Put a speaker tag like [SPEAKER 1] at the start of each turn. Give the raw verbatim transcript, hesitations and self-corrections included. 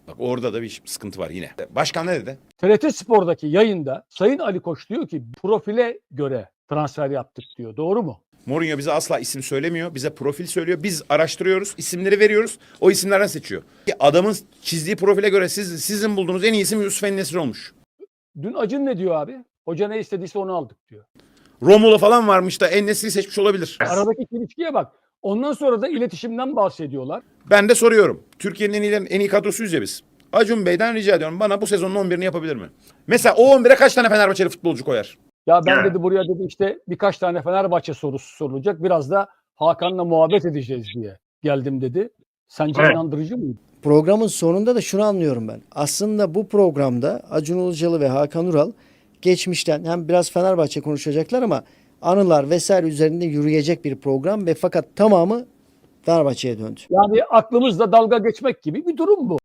[SPEAKER 1] Bak orada da bir sıkıntı var yine. Başkan ne dedi?
[SPEAKER 2] T R T Spor'daki yayında Sayın Ali Koç diyor ki profile göre transfer yaptık diyor. Doğru mu?
[SPEAKER 1] Mourinho bize asla isim söylemiyor. Bize profil söylüyor. Biz araştırıyoruz. İsimleri veriyoruz. O isimlerden seçiyor. Adamın çizdiği profile göre siz, sizin bulduğunuz en iyi isim Yusuf En-Nesyri olmuş.
[SPEAKER 2] Dün Acun ne diyor abi? Hoca ne istediyse onu aldık diyor.
[SPEAKER 1] Romulo falan varmış da En-Nesyri'yi seçmiş olabilir.
[SPEAKER 2] Aradaki çelişkiye bak. Ondan sonra da iletişimden bahsediyorlar.
[SPEAKER 1] Ben de soruyorum. Türkiye'nin en iyi, en iyi kadrosuyuz ya biz. Acun Bey'den rica ediyorum. Bana bu sezonun on birini yapabilir mi? Mesela o on bire kaç tane Fenerbahçeli futbolcu koyar?
[SPEAKER 2] Ya ben
[SPEAKER 3] Evet.
[SPEAKER 2] dedi buraya dedi işte birkaç tane Fenerbahçe sorusu sorulacak. Biraz da Hakan'la muhabbet edeceğiz diye geldim dedi. Sence
[SPEAKER 3] Evet.
[SPEAKER 2] inandırıcı mıydı?
[SPEAKER 4] Programın sonunda da şunu anlıyorum ben. Aslında bu programda Acun Ilıcalı ve Hakan Ural geçmişten hem biraz Fenerbahçe konuşacaklar ama anılar vesaire üzerinde yürüyecek bir program ve fakat tamamı Fenerbahçe'ye döndü.
[SPEAKER 2] Yani aklımızda dalga geçmek gibi bir durum bu.